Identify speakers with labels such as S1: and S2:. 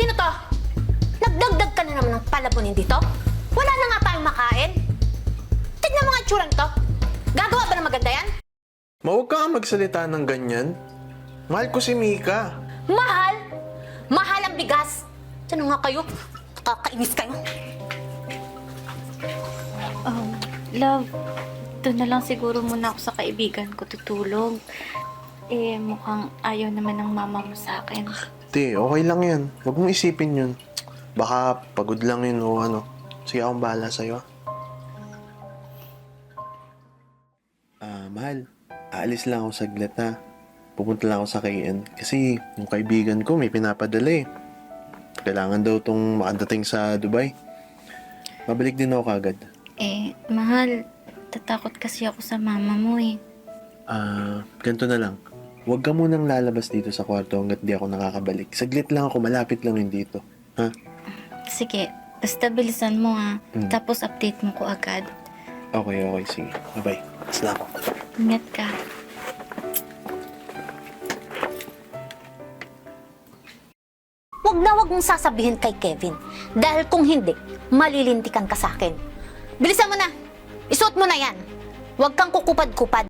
S1: Sino to? Nagdagdag ka na naman ng palabonin dito? Wala na nga tayong makain. Tignan mo nga itsura nito. Gagawa ba ng maganda yan?
S2: Huwag ka nga magsalita ng ganyan. Mahal ko si Mika.
S1: Mahal? Mahal ang bigas. Ano nga kayo? Nakakainis kayo.
S3: Love, doon na lang siguro muna ako sa kaibigan ko tutulog. Eh, mukhang ayaw naman ng mama mo sa akin.
S2: Te, okay lang yan. Huwag mong isipin yun. Baka pagod lang yun o ano. Sige, akong bahala sa'yo. Mahal. Aalis lang ako saglit ha. Pupunta lang ako sa KN. Kasi yung kaibigan ko may pinapadala eh. Kailangan daw tong makadating sa Dubai. Mabalik din ako kagad.
S3: Eh, mahal, tatakot kasi ako sa mama mo eh.
S2: Ganito na lang. Huwag ka munang lalabas dito sa kwarto hanggat di ako nakakabalik. Saglit lang ako, malapit lang yun dito. Ha?
S3: Sige, basta bilisan mo ha. Tapos update mo ko agad.
S2: Okay, sige. Bye-bye. Salamat.
S3: Ingat ka.
S1: Huwag mong sasabihin kay Kevin. Dahil kung hindi, malilintikan ka sa akin. Bilisan mo na. Isuot mo na yan. Huwag kang kukupad-kupad.